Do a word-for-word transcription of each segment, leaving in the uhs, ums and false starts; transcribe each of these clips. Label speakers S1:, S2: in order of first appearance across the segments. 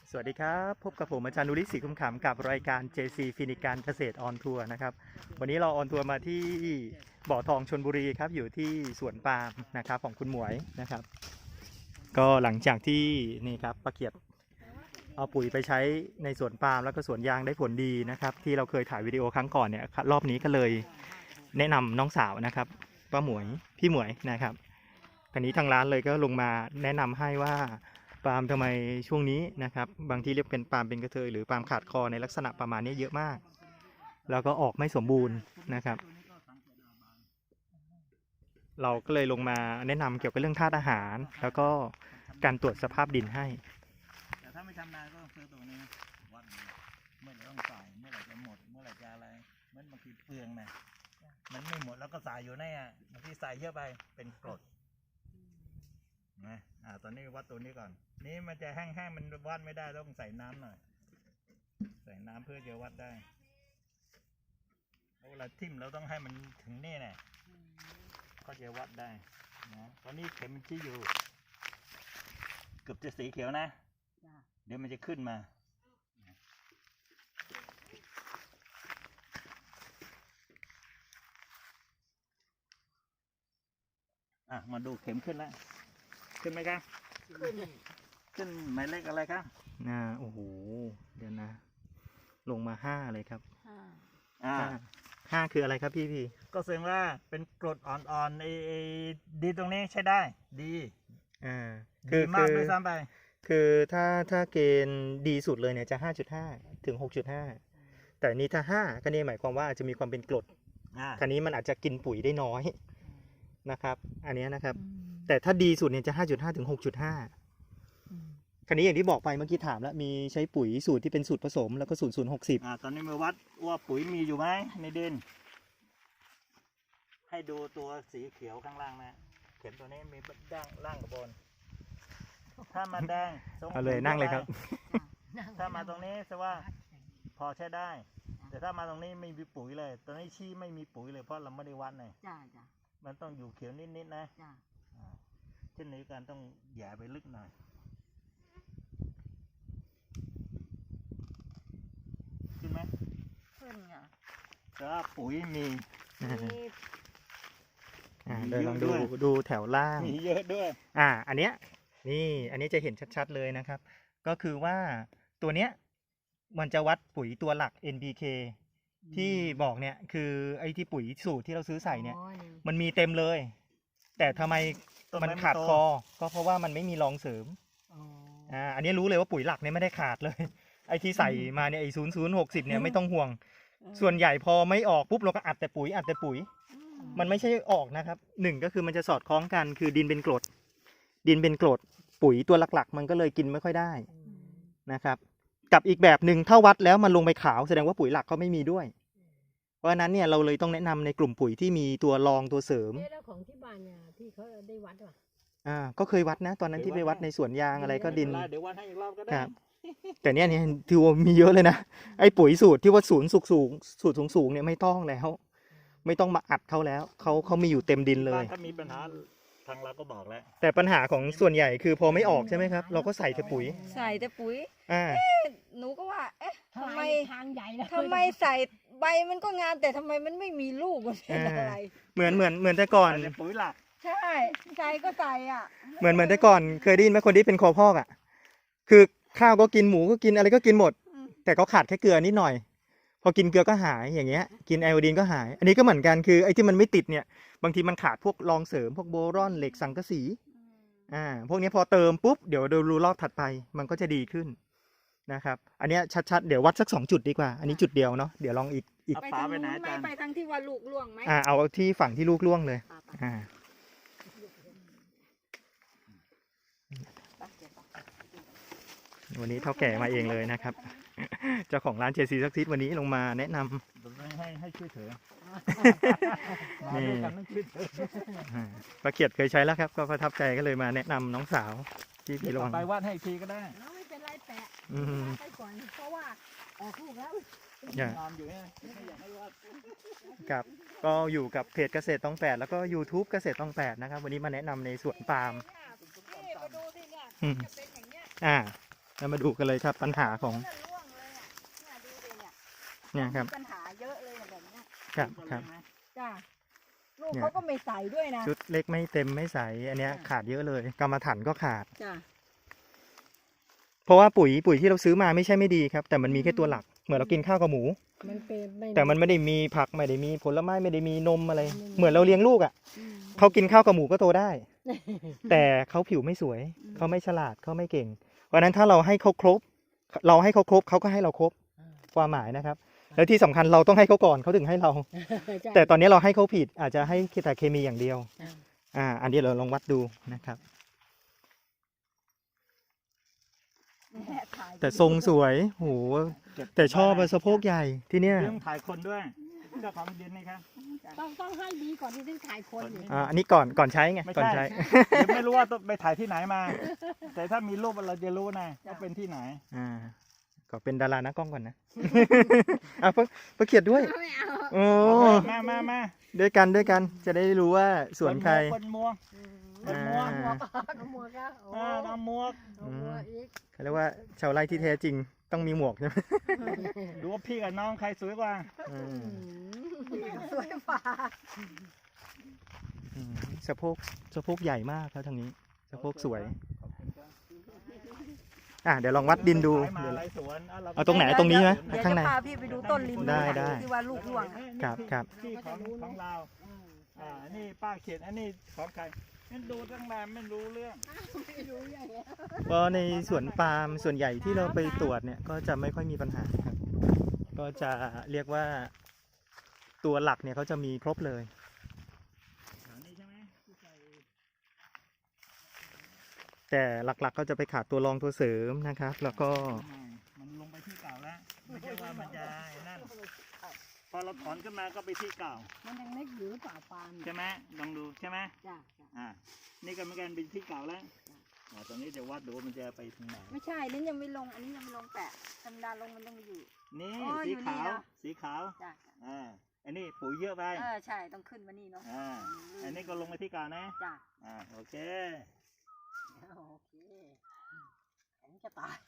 S1: สวัสดีครับพบกับผมอาจารย์นุริศรีคุ้มขำกับรายการ เจ ซี ฟินิการเกษตรออนทัวร์นะครับวันนี้เราออนทัวร์มาที่บ่อทองชลบุรีครับอยู่ที่สวนปาล์มนะครับของคุณหมวยนะครับก็หลังจากที่นี่ครับป้าเกียรติเอาปุ๋ยไปใช้ในสวนปาล์มแล้วก็สวนยางได้ผลดีนะครับที่เราเคยถ่ายวิดีโอครั้งก่อนเนี่ยรอบนี้ก็เลยแนะนำน้องสาวนะครับป้าหมวยพี่หมวยนะครับคราวนี้ทางร้านเลยก็ลงมาแนะนำให้ว่าปาล์มทำไมช่วงนี้นะครับบางที่เรียกเป็นปาล์มเป็นกระเทยหรือปาล์มขาดคอในลักษณะประมาณนี้เยอะมากแล้วก็ออกไม่สมบูรณ์นะครับเราก็เลยลงมาแนะนำเกี่ยวกับเรื่องธาตุอาหารแล้วก็การตรวจสภาพดินให้
S2: แต่ถ้าไม่ชำนาญก็ต้องซื้อตัวนี้วัดเมื่อไหร่ต้องใส่เมื่อไหร่จะหมดเมื่อไหร่จะอะไรเหมือนบางทีเปลืองนะมันไม่หมดแล้วก็ใส่อยู่ในอ่ะบางทีใส่เยอะไปเป็นกรดนะอ่าตอนนี้วัดตัวนี้ก่อนนี่มันจะแห้งๆมันวัดไม่ได้ต้องใส่น้ำหน่อยใส่น้ำเพื่อจะวัดได้เวลาทิ่มเราต้องให้มันถึงนี่แน่ก็จะวัดได้นะตอนนี้เข็มมันชี้อยู่เกือบจะสีเขียวนะเดี๋ยวมันจะขึ้นมาอ่ะมาดูเข็มขึ้นแล้วขึ้นไหมครับขึ้นขึ้นหมายเลขอะไรครับ
S1: อ่าโอ้โหเดี๋ยวนะลงมาห้าเลยครับ
S2: อ่า
S1: ห้าคืออะไรครับพี่พี่
S2: ก็แสดงว่าเป็นกรดอ่อนๆไอ้ไอ้ดีตรงนี้ใช้ได้ดี
S1: อ่า
S2: ดีมากด้วยซ้ำไป
S1: คือถ้าถ้าเกณฑ์ดีสุดเลยเนี่ยจะ ห้าจุดห้า ถึง หกจุดห้า แต่นี้ถ้าห้าก็นี่หมายความว่าจะมีความเป็นกรดทีนี้มันอาจจะกินปุ๋ยได้น้อยนะครับอันนี้นะครับแต่ถ้าดีสุดเนี่ยจะ ห้าจุดห้า ถึง หกจุดห้า คราวนี้อย่างที่บอกไปเมื่อกี้ถามแล้วมีใช้ปุ๋ยสูตรที่เป็นสูตรผสมแล้วก็สูตรศูนย์หกสิบ
S2: อ่าตอนนี้มาวัดว่าปุ๋ยมีอยู่ไหมในดินให้ดูตัวสีเขียวข้างล่างนะเข็มตัวนี้มีด้านล่างกับบนถ้ามาแดง
S1: เอาเลยนั่งเลยครับ
S2: ถ้ามาตรงนี้แสดงว่าพอใช้ได้แต่ถ้ามาตรงนี้ไม่มีปุ๋ยเลยตอนนี้ชี้ไม่มีปุ๋ยเลยเพราะเราไม่ได้วัดเลยมันต้องอยู่เขียวนิดๆนะเช่นนี้การต้องแย่ไปลึกหน่อยขึ้นไหม
S3: ขึ้นค่ะ
S2: แต่ว่าปุ๋ยมี
S1: เดี๋ยวลองดูดูแถวล่าง
S2: มีเยอะด้วย
S1: อ่าอันเนี้ยนี่อันนี้จะเห็นชัดๆเลยนะครับก็คือว่าตัวเนี้ยมันจะวัดปุ๋ยตัวหลัก เอ็น พี เค ที่บอกเนี่ยคือไอ้ที่ปุ๋ยสูตรที่เราซื้อใส่เนี่ยมันมีเต็มเลยแต่ทำไมมันขาดคอก็เพราะว่ามันไม่มีรองเสริมอ่าอันนี้รู้เลยว่าปุ๋ยหลักเนี่ยไม่ได้ขาดเลยไอ้ที่ใส่มาเนี่ยไอ้ศูนย์ศูนย์หกสิบเนี่ยไม่ต้องห่วงส่วนใหญ่พอไม่ออกปุ๊บเราก็อัดแต่ปุ๋ยอัดแต่ปุ๋ยมันไม่ใช่ออกนะครับหนึ่งก็คือมันจะสอดคล้องกันคือดินเป็นกรดดินเป็นกรดปุ๋ยตัวหลักๆมันก็เลยกินไม่ค่อยได้นะครับกับอีกแบบหนึ่งถ้าวัดแล้วมันลงไปขาวแสดงว่าปุ๋ยหลักเขาไม่มีด้วยเพราะฉะนั้นเนี่ยเราเลยต้องแนะนำในกลุ่มปุ๋ยที่มีตัวรองตัวเสริม
S3: แล้วของที่บ้านเนี่ยที่เขาได้วัดป่ะ
S1: อ่าก็เคยวัดนะตอนนั้นที่ไปวัดในสวนยางอะไรก็ดิน
S2: เดี๋ยววัดให้อีกรอบก็ได้
S1: ครับแต่เนี่ยเนี่ยถือว่ามีเยอะเลยนะไอ้ปุ๋ยสูตรที่ว่าศูนย์สูงสูงสูตรสูงสูงเนี่ยไม่ต้องแล้วไม่ต้องมาอัดเขาแล้วเขาเขามีอยู่เต็มดินเลย
S2: ถ้ามีปัญหาทางเราก็บอกแล้ว
S1: แต่ปัญหาของส่วนใหญ่คือพอไม่ออกใช่ไหมครับเราก็ใส่แต่ปุ๋ย
S3: ใส่แต่ปุ๋ย
S1: อ่า
S3: หนูก็ว่าเอ๊ะทำไม
S4: ทางใหญ่เลย
S3: ทำไมใส่ใบมันก็งามแต่ทำไมมันไม่มีลูกมันเป็นอะไร
S1: เหมือนเหมือนเหมือนแต่ก่อน
S2: ปุ๋ยหลัก
S3: ใช่ใส่ก็ใส่อ่ะ
S1: เหมือนเหมือนแต่ก่อนเคยได้ยินไหมคนที่เป็นคอพอกอ่ะคือข้าวก็กินหมูก็กินอะไรก็กินหมดแต่เขาขาดแค่เกลือนิดหน่อยพอกินเกลือก็หายอย่างเงี้ยกินไอโอดีนก็หายอันนี้ก็เหมือนกันคือไอ้ที่มันไม่ติดเนี่ยบางทีมันขาดพวกรองเสริมพวกโบรอนเหล็กสังกะสีอ่าพวกนี้พอเติมปุ๊บเดี๋ยวดูรอบถัดไปมันก็จะดีขึ้นนะครับอันนี้ชัดๆเดี๋ยววัดสักสองจุดดีกว่าอันนี้จุดเดียวเนาะเดี๋ยวลองอีกอีก
S3: ไปทางนู้นไหมไปทางที่ว่าลูกล่วงไหม
S1: อ่าเอาที่ฝั่งที่ลูกล่วงเลยอ่าวันนี้เท่าแก่มาเองเลยนะครับเจ้าของร้าน เจ ซี ซักซีดวันนี้ลงมาแนะน
S2: ำให้ให้ช่วยเถอะ
S1: นี่ป้าเกียรติเคยใช้แล้วครับก็ประทับใจก็เลยมาแนะนำน้องสาวที่พี่ลง
S2: ไปวาดให้ทีก็ได้
S3: ไม่เป็นไรแปะไปก่อนเพราะว่าออกลูกแล้ว
S2: นอนอยู่เนี่ยไม่อยากให้วาด
S1: ครับก็อยู่กับเพจเกษตรตองแปดแล้วก็ ยูทูบ เกษตรตองแปดนะครับวันนี้มาแนะนำในสวนปาล์มอ่าแล้วมาดูกันเลยครับปัญหาของ
S3: นั่นร่วงเลยอ่ะเนี่ยดูดิเนี่ย
S1: เนี่ยครับ
S3: มีปัญหาเยอะเลยอะแบบเนี้ย
S1: ครับครับ
S3: จ้าลูก
S1: เนี่ย
S3: เขาก็ไม่ใส่ด้วยนะ
S1: ชุดเล็กไม่เต็มไม่ใสอันเนี้ยขาดเยอะเลยกรรมฐานก็ขาด
S3: จ้า
S1: เพราะว่าปุ๋ยปุ๋ยที่เราซื้อมาไม่ใช่ไม่ดีครับ แต่มันมีแค่ตัวหลักเหมือนเรากินข้าวกับหมู
S3: มันเป็นไม่
S1: แต่มันไม่ได้มีผักไม่ได้มีผลไม้ไม่ได้มีนมอะไร
S3: ไม่มี
S1: เหมือนเราเลี้ยงลูกอ่ะ
S3: อืม
S1: เขากินข้าวกับหมูก็โตได้ แต่เขาผิวไม่สวย
S3: อืม
S1: เขาไม่ฉลาดเขาไม่เก่ง เพราะฉะนั้นถ้าเราให้เขาครบ เราให้เขาครบเขาก็ให้เราครบความหมายนะครับ แล้วที่สำคัญเราต้องให้เขาก่อนเขาถึงให้เรา แต่ตอนนี้เราให้เขาผิดอาจจะให้แต่เคมีอย่างเดียว
S3: อ่า
S1: อ่า อันนี้เราลองวัดดูนะครับ
S3: เนี่ยถ่าย
S1: แต่ทรงสวยโหแต่ชอบอะสะโพกใหญ่ที่เนี้ย
S2: เรื่องถ่ายคนด้วยเจ้าของดินนี่ครับ
S4: ต้องต้องให้ดีก่อนที่จะถ่ายคนอยู่
S1: อ่าอันนี้ก่อนก่อนใช้ไง
S2: ไม่
S1: ก่อน
S2: ใช่
S1: ใช้
S2: เดี๋ยวไม่รู้ว่าต้องไปถ่ายที่ไหนมา แต่ถ้ามีรูปเราจะรู้นะว่าเป็นที่ไหน
S1: อ่าก็เป็นดารานักกล้องก่อนนะ อ่ะเพิ่งเพิ่งเขียดด้วย
S4: ไม่เอา
S1: โอ้
S2: มามามา
S1: ด้วยกันด้วยกันจะได้รู้ว่าสวนใคร
S2: คนมัว
S1: อ่า
S4: น้ำมัวก็โอ้
S2: อ่าน้ำมัว
S4: น้ำมัวอีก
S1: เขาเรียกว่าชาวไร่ที่แท้จริงต้องมีหมวกใช่ไหม
S2: ดูว่าพี่กับน้องใครสวยกว่า
S1: อืม
S3: สวยฝ่า
S1: อืมสะโพกสะโพกใหญ่มากครับทางนี้สะโพกสวยอ่ะเดี๋ยวลองวัดดินดู
S2: สายมา
S1: เดี๋ยว
S2: หลายสวนะ
S1: เอาตรงไหนตรงนี้ไหม
S3: เดี๋ยว
S1: ข้างใน
S3: จะพาพี่ไปดูต้นริม
S1: ได้ได้
S3: ที่ว่าลูกร่วงอะ
S1: ครับครับ
S2: ที่ของของเราอ่านี่ป้าเขียนอันนี้ของใครนั่นดูตั้งนานไม่รู้เรื่อง
S4: ไม่รู้อย่างเงี้ย
S1: เพราะในสวนปาล์มส่วนใหญ่ที่เราไปตรวจเนี่ยก็จะไม่ค่อยมีปัญหาครับ ก็จะเรียกว่าตัวหลักเนี่ยเขาจะมีครบเลย
S2: อันนี้ใช่ไหมที่ใส่
S1: แต่หลักๆก็จะไปขาดตัวรองตัวเสริมนะครับ แล้วก็
S2: อืมมันลงไปที่เก่าแล้วไม่ใช่ว่ามันจะไอ้นั่นพอเราถอนขึ้นมาก็ไปที่เก่า
S4: มันยังเล็กอยู่หรือเปล่าปาน
S2: ใช่ไหมลองดูใช่ไหม
S4: จ้ะจ้ะ
S2: อ่านี่ก็เหมือนกันเป็นที่เก่าแล้วอ่าตอนนี้เดี๋ยววัดดูว่ามันจะไปถึงไหน
S3: ไม่ใช่นั่นยังไม่ลงอันนี้ยังไม่ลงแปะธรรมดาลงมันต้องอยู่
S2: นี่
S3: อ๋อ
S2: สี
S3: อยู่นี่
S2: ขาว
S3: เหรอ
S2: สีขาว
S3: จ้ะ
S2: อ่าอันนี้ปุ๋ยเยอะไป
S3: เออใช่ต้องขึ้นมานี่เนาะ
S2: อ่าอันนี้ก็ลงไปที่เก่านะ
S3: จ้ะ
S2: อ่าโอเค
S4: โอเคอันนี้จะตาย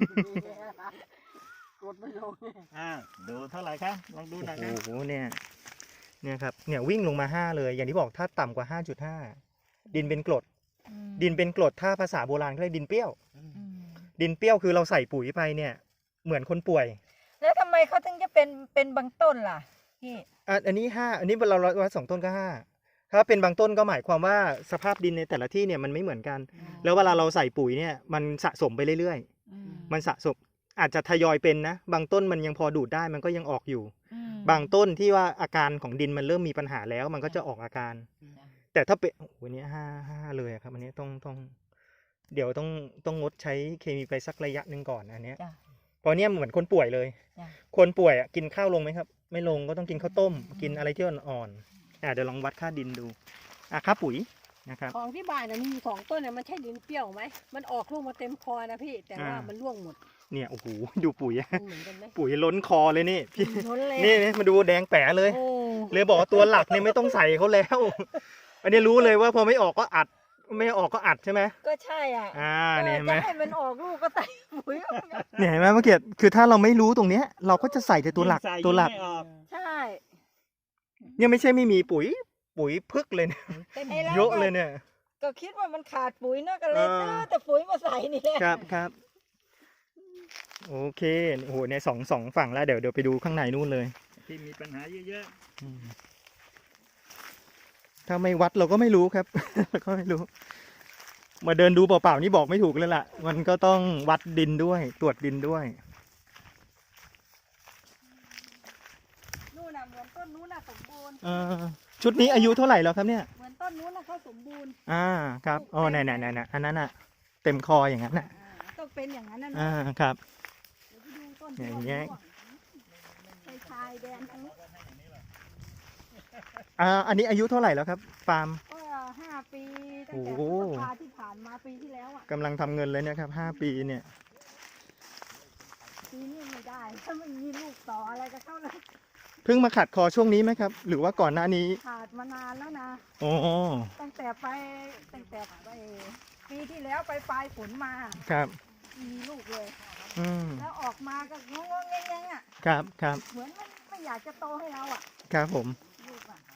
S4: กดไม่ลง
S2: อ่าดูเท่าไหร่ครับลองดูหน่อยครับ
S1: โอ้โหเนี่ยเนี่ยครับเนี่ยวิ่งลงมาห้าเลย อย่างที่บอกถ้าต่ำกว่าห้าจุดห้าดินเป็นกรด ดินเป็นกรดถ้าภาษาโบราณเขาเรียกดินเปรี้ยว ดินเปรี้ยวคือเราใส่ปุ๋ยไปเนี่ยเหมือนคนป่วย
S3: แล้วทำไมเขาถึงจะเป็นเป็นบางต้นล่ะพี่
S1: อ่ะอันนี้ห้าอันนี้เราวัดสองต้นก็ห้าถ้าเป็นบางต้นก็หมายความว่าสภาพดินในแต่ละที่เนี่ยมันไม่เหมือนกัน แล้วเวลาเราใส่ปุ๋ยเนี่ยมันสะสมไปเรื่อยๆ มันสะสมอาจจะทยอยเป็นนะ บางต้นมันยังพอดูดได้มันก็ยังออกอยู่ บางต้นที่ว่าอาการของดินมันเริ่มมีปัญหาแล้ว มันก็จะออกอาการ แต่ถ้าเป็นโอ้โหอันนี้ห้าห้าเลยอะครับ อันนี้ต้องต้อง เดี๋ยวต้องต้องงดใช้เคมีไปสักระยะหนึ่งก่อนอันเนี้ย
S3: จ้ะ
S1: เพราะเนี้ยเหมือนคนป่วยเลย
S3: จ้ะ
S1: คนป่วยอะกินข้าวลงไหมครับ ไม่ลงก็ต้องกินข้าวต้ม กินอะไรที่อ่อนๆอ่ะเดี๋ยวลองวัดค่าดินดูอ่ะค่าปุ๋ยนะครับ
S4: ของที่บ้านน่ะมีอยู่สองต้นเนี่ยมันใช่ดินเปรี้ยวไหมมันออกลูกมาเต็มคอนะพี่แต่ว่า
S1: อ่ามั
S4: มันร่วงหมด
S1: เนี่ยโอ้โหดูปุ๋ยอะ
S4: มันเหมือนกันไหม
S1: ปุ๋ยล้นคอเลยนี่พี่
S3: ล้นเลย
S1: นี่นี่มาดูแดงแป๋เลย
S3: โอ้
S1: เลยบอกว่าตัวหลักเนี่ยไม่ต้องใส่เขาแล้ว อันนี้รู้เลยว่าพอไม่ออกก็อัด ไม่ออกก็อัดใช่ไหม
S3: ก็ใช่อ่ะ
S1: อ่าเนี่ยเห็นไหม
S3: จะให้มันออกลูกก็ใส่ปุ๋ย
S1: เนี่ยเห็นไหมเมื่อกี้คือถ้าเราไม่รู้ตรงเนี้ย เราก็จะใส่แต่ตัวหลัก
S2: ยิ่งใส่
S1: ตัวหลัก
S2: ยิ่งไม่ออก
S3: ใช่
S1: เนี่ยไม่ใช่ไม่มีปุ๋ย ปุ๋ยพึกเลยเนี่ย
S3: ไอ้รา
S1: เยอะเลยเนี่ย
S3: ก็คิดว่ามันขาดปุ๋ยเนอะก็เลย
S1: เออ
S3: ซื้อแต่ปุ๋ยมาใส่นี่แหละ
S1: ครับครับโอเคโอ้โหเนี่ยสองสองฝั่งแล้วเดี๋ยวเดี๋ยวไปดูข้างในนู่นเลย
S2: ที่มีปัญหาเยอะ
S1: อืมถ้าไม่วัดเราก็ไม่รู้ครับ เราก็ไม่รู้ มาเดินดูเปล่าๆนี่บอกไม่ถูกเลยล่ะ มันก็ต้องวัดดินด้วย ตรวจดินด้วย
S3: นู่นน่ะเหมือนต้นนู้นน่ะสมบูรณ์
S1: เออชุดนี้อายุเท่าไหร่แล้วครับเนี่ย
S3: เหมือนต้นนู้นน่ะเขาสมบูรณ์
S1: อ่าครับอ๋อไหนไหนไหนไหนอันนั้นอ่ะ เต็มคออย่างนั้นอ่ะ
S3: อ่าต้องเป็นอย่างนั้นนะ
S1: อ่า
S3: เนาะ
S1: ครับ
S3: เดี๋ยวไปดูต้น
S1: อย่างเงี้ย
S3: ชายชายแดนทั้ง
S1: อ่าอันนี้อายุเท่าไหร่แล้วครับฟาร์ม
S3: ก็ห้าปีตั้ง
S1: โอ้
S3: แต่
S1: โห
S3: พฤษภาที่ผ่านมาปีที่แล้วอ่ะ
S1: กำลังทำเงินเลยเนี่ยครับห้าปีเนี่ย
S3: ปีนี้ไม่ได้ถ้าไม่มีลูกต่ออะไรก็เข้าเลย
S1: เพิ่งมาขัดคอช่วงนี้ไหมครับ หรือว่าก่อนหน้านี้
S3: ขาดมานานแล้วนะ
S1: โอ้
S3: ตั้งแต่ไปตั้งแต่ไปปีที่แล้วไปปลายฝนมา
S1: ครับ
S3: มีลูกเลย
S1: อืม
S3: แล้วออกมาก็งงๆแงงๆอ่ะ
S1: ครับครับ
S3: เหมือนมันไม่อยากจะโตให้เราอ่ะ
S1: ครับผม
S3: ลูกอ่ะ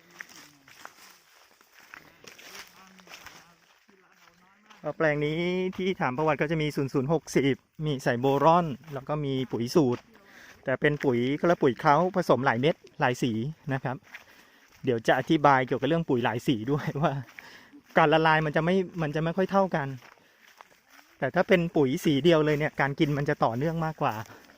S1: ก็แปลงนี้ที่ถามประวัติก็จะมี ศูนย์ ศูนย์ หก ศูนย์ มีใส่โบรอน แล้วก็มีปุ๋ยสูตร แต่เป็นปุ๋ยก็แล้วปุ๋ยเขาผสมหลายเม็ดหลายสีนะครับ เดี๋ยวจะอธิบายเกี่ยวกับเรื่องปุ๋ยหลายสีด้วยว่า การละลายมันจะไม่มันจะไม่ค่อยเท่ากัน แต่ถ้าเป็นปุ๋ยสีเดียวเลยเนี่ยการกินมันจะต่อเนื่องมากกว่า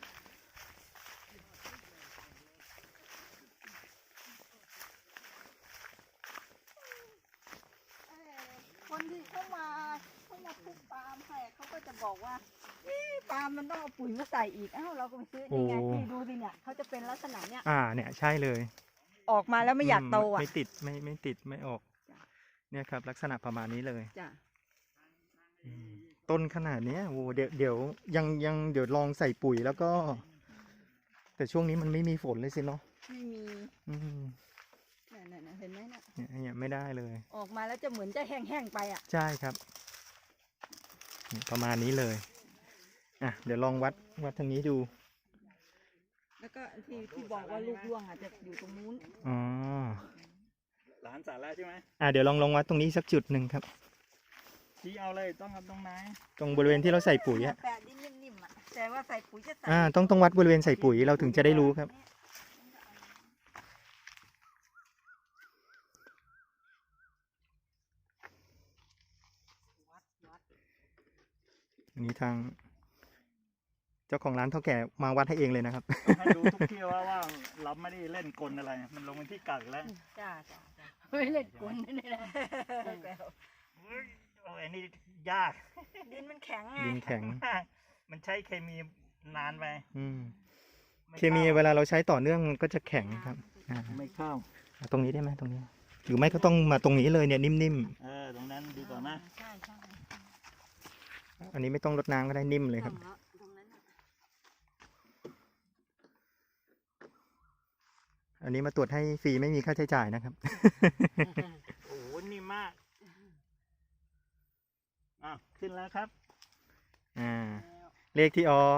S3: เอ่อคนที่เข้ามาเข้ามาปลูกปาล์มให้เขาก็จะบอกว่าเอ๊ะปาล์มมันต้องเอาปุ๋ยมาใส่อีกอ้าวเราก็ไปซื้อนี่ไง
S1: โอ้
S3: นี่ดูสิเนี่ยเขาจะเป็นลักษณะเนี้ย
S1: อ่าเนี่ยใช่เลย
S3: ออกมาแล้วไม่อยากโตอ่ะ
S1: ไม่ติดไม่ไม่ติดไม่ออก
S3: จ้ะ
S1: เนี่ยครับลักษณะประมาณนี้เลย
S3: จ้ะ
S1: อืมต้นขนาดเนี้ยโอ้เดี๋ยวเดี๋ยวยังยังเดี๋ยวลองใส่ปุ๋ยแล้วก็ แต่ช่วงนี้มันไม่มีฝนเลยสิเนาะ
S3: ไม่มี
S1: อืม
S3: นั่นๆๆเห็นไหมน่ะ
S1: เนี่ยเนี่ยไม่ได้เลย
S3: ออกมาแล้วจะเหมือนจะแห้งๆไปอ่ะ
S1: ใช่ครับนี่ประมาณนี้เลยอ่ะเดี๋ยวลองวัดวัดทางนี้ดู
S3: แล้วก็ที่ที่บอกว่าลูกร่วงอาจจะอยู่ตรงนู้น
S1: อ๋อ
S2: หลานสาระใช่ไหม
S1: อ่ะเดี๋ยวลองลองวัดตรงนี้สักจุดหนึ่งครับ
S2: ชี้เอาเลยต้องเอาตรงไหน
S1: ตรงบริเวณที่เราใส่ปุ๋ยอะ
S3: แปะดินนิ่มๆอ่ะแต่ว่าใส่ปุ๋ยจะใส่
S1: อ่าต้องต้องวัดบริเวณใส่ปุ๋ยเราถึงจะได้รู้ครับ อันนี้ทาง เจ้าของร้านเท่าแก่มาวัดให้เองเลยนะครับ
S2: ต้องให้ดูทุกที่ว่าว่าเราไม่ได้เล่นกลอะไร มันลงเป็นที่กัดแล้ว
S3: จ้าจ้าจ้า
S4: ไม่เล่นกลนี่นะ
S2: เฮ้ยโอ้ยอันนี้ยาก
S3: ดินมันแข็งไง
S1: ดินแข็ง
S2: มากมันใช้เคมีนานไป
S1: อืม
S2: ไ
S1: เคมีเวลาเราใช้ต่อเนื่องมันก็จะแข็งครับอ่า
S2: ไม่เข้า
S1: ตรงนี้ได้ไหมตรงนี้ หรือไม่ก็ต้องมาตรงนี้เลยเนี่ยนิ่ม
S2: เออตรงนั้นดีกว่านะ
S3: ใช่ใช่
S1: ๆ อันนี้ไม่ต้องรดน้ำก็ได้นิ่มเลยครับ
S3: ตรงนั้นน่ะ
S1: อันนี้มาตรวจให้ฟรีไม่มีค่าใช้จ่ายนะครับ
S2: โอ้โหนี่มากอ่ะขึ้นแล้วครับ
S1: อ่า เลขที่ออก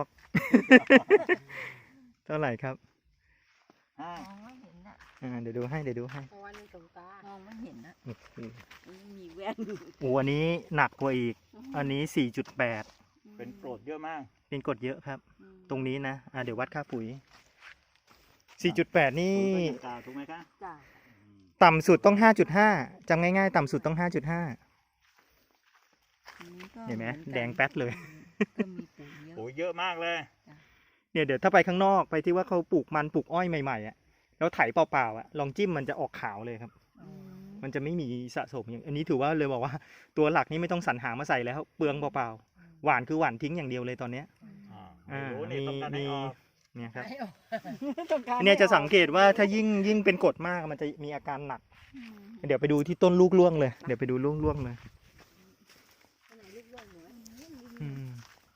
S1: เท่าไหร่ครับ
S2: อ่าม
S3: องไม่เห็นอ่ะ
S1: อ่า เดี๋ยวดูให้ เดี๋ยวดูให้
S4: วันสงตาม
S3: องไม่เห็นอ่ะ
S1: โอ้โห
S3: ไม่มีแว่น
S1: โอ้อันนี้หนักกว่าอีก อันนี้ สี่จุดแปด
S2: เป็นโกรธเยอะมาก
S1: เป็นกรดเยอะครับ
S3: อืม
S1: ตรงนี้นะ อ่า เดี๋ยววัดค่าปุ๋ย สี่จุดแปด นี่
S2: คุณก็ยังกล่าวถูกไหมคะ
S3: จ้า
S2: อืม
S1: ต่ำสุดต้อง ห้าจุดห้า จำง่ายๆ ต่ำสุดต้อง ห้าจุดห้า
S3: อันนี้ก็
S1: เห็นไหม
S3: มือกั
S1: แดงแป๊ดเลย
S3: ก็มีปุ๋ยเยอะ
S2: โอ้เยอะมากเลย
S1: เนี่ยเดี๋ยวถ้าไปข้างนอกไปที่ว่าเขาปลูกมันปลูกอ้อยใหม่ๆอ่ะ แล้วไถเปล่าๆอ่ะ ลองจิ้มมันจะออกขาวเลยครับ
S3: อืม
S1: มันจะไม่มีสะสมอย่างอันนี้ถือว่าเลยบอกว่าตัวหลักนี่ไม่ต้องสรรหามาใส่แล้วเปลืองเปล่าๆหวานคือหวานทิ้งอย่างเดียวเลยตอนเนี้ย
S2: อ่า
S1: อ่า
S2: โอ้โหนี่ต้องการให้ออก
S1: เนี่ยครับ
S4: ไม่ออก
S3: ต้องการ
S1: เนี่ยจะ
S3: ให้ออก
S1: สังเกตว่าถ้ายิ่งยิ่งเป็นกรดมากมันจะมีอาการหนัก
S3: อืม
S1: เดี๋ยวไปดูที่ต้นลูกล่วงเลย เดี๋ยวไปดูลูกล่วงเลย
S4: อันไหนลูกล่วงหนู
S1: อืม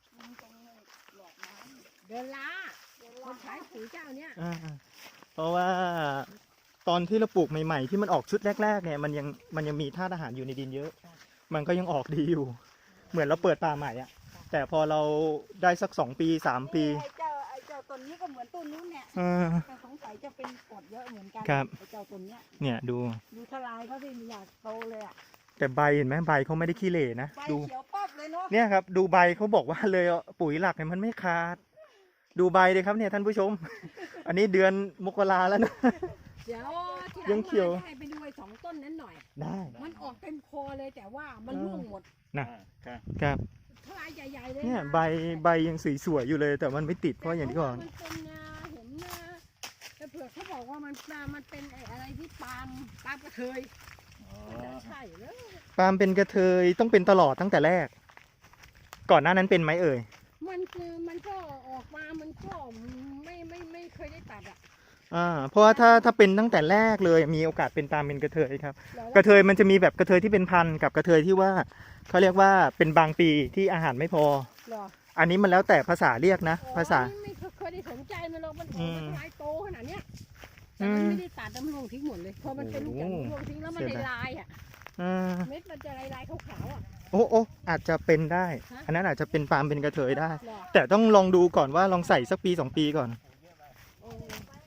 S4: เดินล้าคนขายปุ๋ยเจ้าเนี้ย
S1: อ่าเพราะว่าตอนที่เราปลูกใหม่ๆ ที่มันออกชุดแรกๆเนี่ยมันยังมันยังมีธาตุอาหารอยู่ในดินเยอะ มันก็ยังออกดีอยู่ เหมือนเราเปิดป่าใหม่อะแต่พอเราได้สักสองปีสามปี
S3: ไอ้เจ้าไอ้เจ้าต้นนี้ก็เหมือนต้นนู้นเนี่ย
S1: อ่า
S3: แต่สงสัยจะเป็นกรดเยอะเหมือนกัน
S1: ครับ
S3: ไอ้เจ้าต้นเนี้ย
S1: เนี่ยดู
S3: ดูทลายเขาสิไม่อยากโตเลยอ่ะ
S1: แต่ใบเห็นไหมใบเขาไม่ได้ขี้เหร่นะ
S3: ใบ
S1: ดู
S3: เขียวป๊อบเลยเนาะ
S1: เนี่ยครับดูใบเขาบอกว่าเลยปุ๋ยหลักเนี่ยมันไม่ขาด ดูใบเลยครับเนี่ยท่านผู้ชม อันนี้เดือนมกราแล้วนะ
S4: เดี๋ยวที่ห
S1: ยั
S4: ลั
S1: ง
S4: ง
S1: เขียว
S4: มาให้ไปดูไอ้สองต้นนั้นหน่อย
S1: ได้
S4: มันออกเต็มคอเลยแต่ว่ามันร่วงหมด
S1: นะ
S2: อ่าครับ
S1: ครับ
S4: ทลายใหญ่ๆเลย
S1: เนี่ย
S4: นะ
S1: ใบใบยังสวยๆอยู่เลย แต่มันไม่ติดเพราะอย่างที่ก่อน
S4: มันเป็นนาเห็นนาแต่เผื่อเขาบอกว่ามันปลามันเป็นไอ้อะไรที่ปาล์มปาล์มกระเทย
S2: อ๋อ
S4: แต่ใช่เลย
S1: ปาล์มเป็นกระเทยต้องเป็นตลอดตั้งแต่แรก ก่อนหน้านั้นเป็นไหมเอ่ย
S4: มันคือมันก็ออกมามันก็ไม่ไม่ไม่เคยได้ตัดอ่ะ
S1: อ่าเพราะว่าถ้าถ้าเป็นตั้งแต่แรกเลยมีโอกาสเป็นปาล์มเป็นกระเทยครับ
S4: แล้ว
S1: กระเทยมันจะมีแบบกระเทยที่เป็นพันธุ์กับกระเทยที่ว่าเขาเรียกว่าเป็นบางปีที่อาหารไม่พอ
S4: เหรอ
S1: อันนี้มันแล้วแต่ภาษาเรียกนะ ภาษา
S4: อ๋อไม่เคยได้สนใจมันหรอกมันอ
S1: อื
S4: อก
S1: ม
S4: มาทลายโตขนาดเนี้ยแต่มันไม่ได้ตัดน้ำลงทิ้งหมดเลยพอมันเป็นลูกจาก
S1: โอ้โห
S4: ลงทิ้งแล้วมัน
S1: เสียดาย
S4: ลายๆอ่ะ
S1: อ่า
S4: เม็ดมันจะลายๆขาวๆอ่ะ
S1: โอ้โอ้อาจจะเป็นได้ อันนั้นอาจจะเป็นปาล์มเป็นกระเทยได้
S4: หรอ
S1: แต่ต้องลองดูก่อนว่าลองใส่สักปีสองปีก่อน
S4: เออ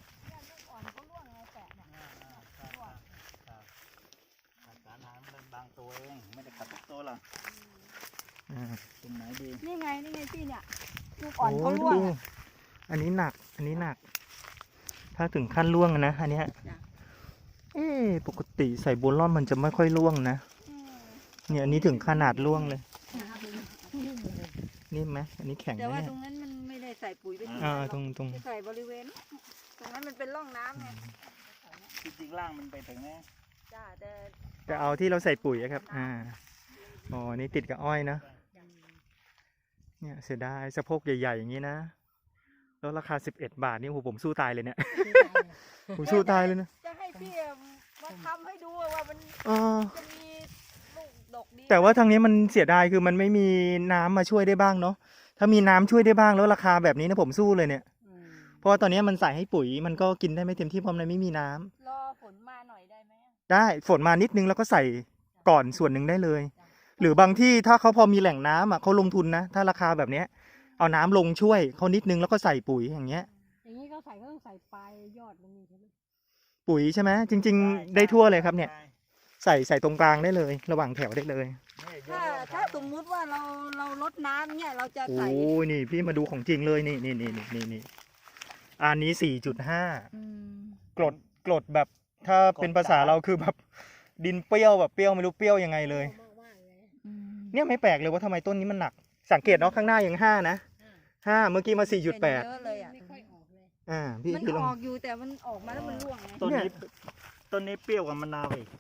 S2: ขาดสารอาหารเป็นบางตัวเองไม่ได้ขาดทุกตัวหรอก
S1: อ่า
S2: ตรงไหนดี
S3: นี่ไงนี่ไงพี่เนี่ยลูกอ่อน
S1: โอ้
S3: เขาร่วง
S1: ดู
S3: อะ
S1: อันนี้หนัก อันนี้หนัก ถ้าถึงขั้นร่วงอะนะ อันเนี้ย
S3: จ้ะ
S1: เอ๊ะปกติใส่โบลอนมันจะไม่ค่อยร่วงนะ
S3: อืม
S1: เนี่ยอันนี้ถึงขนาดร่วงเลย นี่ไหมอันนี้แข็ง
S3: แต่
S1: นะ
S3: ว่า
S1: เนี่ย
S3: ตรงนั้นมันไม่ได้ใส่ปุ๋ยไปที่
S1: อ่า
S3: ไหนห
S1: ต
S3: ร
S1: ร
S3: อก
S1: งตรง
S3: จะใส่บริเวณ ตรงนั้นมันเป็นร่องน้ำไง
S2: จริงๆล่างมันไปถึงนะ
S3: จ้าแต่
S1: จะเอาที่เราใส่ปุ๋ยอะครับ อ่า อ๋อ นี่ติดกับอ้อยนะ เนี่ยเสียดายสะโพกใหญ่ๆอย่างนี้นะ แล้วราคาสิบเอ็ดบาทนี่โอ้โหผมสู้ตายเลยเนี่ย ผมสู้ตายเลยนะ
S3: จะให้พี่มาทำให้ดูว่ามัน
S1: เออ
S3: จะมีลูกดกดี
S1: แต่ว่าทางนี้มันเสียดายคือมันไม่มีน้ำมาช่วยได้บ้างเนาะ ถ้ามีน้ำช่วยได้บ้างแล้วราคาแบบนี้นะผมสู้เลยเนี่ย
S4: อืม
S1: เพราะว่าตอนนี้มันใส่ให้ปุ๋ยมันก็กินได้ไม่เต็มที่เพราะมันไม่มีน้ำ
S3: รอฝนมาหน่อยได้ไหม
S1: ได้ฝนมานิดนึงแล้วก็ใส่ก่อนส่วนหนึ่งได้เลย หรือบางที่ถ้าเขาพอมีแหล่งน้ำอ่ะเขาลงทุนนะ ถ้าราคาแบบเนี้ยเอาน้ำลงช่วยเขานิดนึงแล้วก็ใส่ปุ๋ยอย่างเงี้ย
S4: อย่างนี้ก็ใส่ก็ต้องใส่ปลายยอดมันนี่ใช่ไหม
S1: ปุ๋ยใช่ไหมจริง ๆ ได้ทั่วเลยครับเนี่ย ใส่ใส่ตรงกลางได้เลย ระหว่างแถวได้เลย
S3: ถ้าถ้าสมมุติว่าเราเราลดน้ำเนี่ยเราจะ
S1: โอ้
S3: ใส่
S1: ยนี่พี่มาดูของจริงเลยนี่นี่นี่นี่นี่นี่อันนี้สี่จุดห้า
S3: อืม
S1: กรดกรดแบบถ้าเป็นภาษาเราคือแบบดินเปรี้ยวแบบเปรี้ยวไม่รู้เปรี้ยวยังไงเลย
S4: มากมากๆเลย
S3: อืม
S1: เนี่ยไม่แปลกเลยว่าทำไมต้นนี้มันหนัก สังเกตเนาะข้างหน้ายังห้านะห้าเมื่อกี้มาสี่จุดแปด
S3: เยอะเลยอ่ะ
S4: ไม่ค่อยออกเลย
S1: อ่าพี่
S3: มัน
S1: พี่ล
S3: อ
S1: อง
S3: อกอยู่แต่มันออกมาแล้วมันร่วงไง
S2: ต้นนี้ต้นนี้เปรี้ยวกว่ามะนาวอีก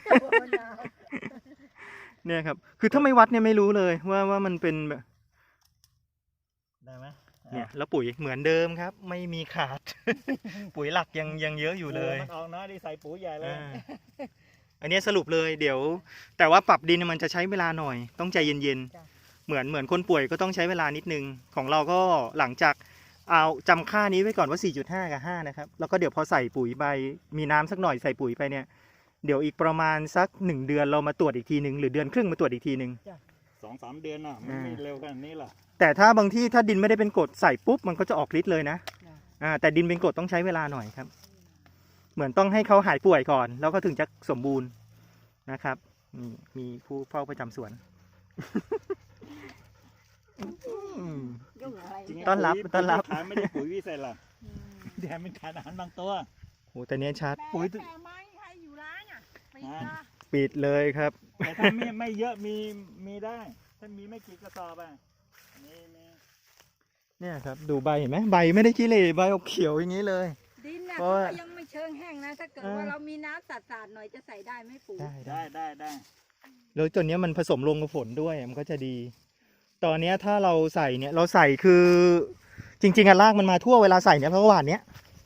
S1: เนี่ยครับคือถ้าไม่วัดเนี่ยไม่รู้เลยว่าว่ามันเป็นแบบ
S2: ได้ไหม
S1: เนี่ยแล้วปุ๋ยเหมือนเดิมครับ ไม่มีขาด ปุ๋ยหลักยังยังเยอะอยู่เลย
S2: มันออกน้อยดีใส่ปุ๋ยใหญ่เลย
S1: อ่าอันเนี้ยสรุปเลยเดี๋ยว แต่ว่าปรับดินมันจะใช้เวลาหน่อย ต้องใจเย็นๆเหมือนเหมือนคนป่วยก็ต้องใช้เวลานิดนึงของเราก็หลังจากเอาจำค่านี้ไว้ก่อนว่า สี่จุดห้า กับห้านะครับแล้วก็เดี๋ยวพอใส่ปุ๋ยไปมีน้ำสักหน่อยใส่ปุ๋ยไปเนี่ยเดี๋ยวอีกประมาณสักหนึ่งเดือนเรามาตรวจอีกทีหนึ่งหรือเดือนครึ่งมาตรวจอีกทีหนึ่ง
S2: สองสามเดือนน่ะมันไม่เร็วขนาดนี้หรอก
S1: แต่ถ้าบางที่ถ้าดินไม่ได้เป็นกรดใส่ปุ๊บมันก็จะออกฤทธิ์เลยนะอ่าแต่ดินเป็นกรดต้องใช้เวลาหน่อยครับ เหมือนต้องให้เขาหายป่วยก่อน แล้วก็ถึงจะสมบูรณ์นะครับนี่มีผู้เฝ้าประจำสวน อืม
S3: ยุ่งอะไร
S2: จริง
S3: เนี่ย
S1: ต้อนรับ
S2: ปุ๋ย
S1: ต้อนรับ
S2: ขายไม่ได้ปุ๋ยวิเศษหรอกแต่มันขาดอาหารบางตัว
S1: โหแต่เนี้ยชัด
S4: แต่
S1: ปุ๋ย
S4: แต่ไม้ใครอยู่ร้านอ่ะไป
S2: อ่า
S4: จ้า
S1: ปิดเลยครับ
S2: แต่ถ้าไม่ไม่เยอะมีมีได้ ถ้ามีไม่กี่กระสอบอ่ะนี่นี่
S1: เนี่ยครับดูใบเห็นไหมใบไม่ได้ขี้เหร่ใบออกเขียวอย่างนี้เลย
S3: ดินน่ะ
S1: เพราะว่า
S3: ก็ยังไม่เชิงแห้งนะ ถ้าเกิด
S1: เออ
S3: ว่าเรามีน้ำสาดๆหน่อยจะใส่ได้ไหมปุ๋ย
S1: ได้ได้
S2: ได้ได้ได้
S1: แล้วตัวเนี้ยมันผสมลงกับฝนด้วยมันก็จะดี ตอนเนี้ยถ้าเราใส่เนี่ยเราใส่คือจริง ๆอะรากมันมาทั่วเวลาใส่เนี่ยเพราะว่าหวานเนี้ย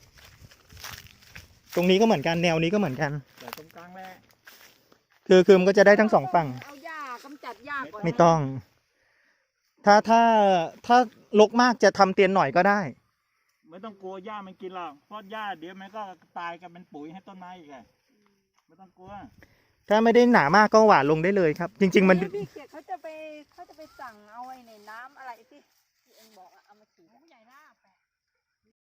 S1: ตรงนี้ก็เหมือนกันแนวนี้ก็เหมือนกัน
S2: แต่ตรงกลางแหละ
S1: คือคือมันก็จะได้ทั้งสองฝั่ง
S3: เอาหญ้ากำจัดหญ้าก่อน
S1: ไม่ต้อง ถ้าถ้าถ้ารกมากจะทำเตียนหน่อยก็ได้
S2: ไม่ต้องกลัวหญ้ามันกินหรอกเพราะหญ้าเดี๋ยวมันก็ตายกันเป็นปุ๋ยให้ต้นไม้อีกไงไม่ต้องกลัว
S1: ถ้าไม่ได้หนามากก็หวานลงได้เลยครับ จริง ๆ มัน
S3: เดี๋ยวพี่เกียรติเขาจะไปเขาจะไปสั่งเอาไอ้ในน้ำอะไรที่ที่เองบอกอะ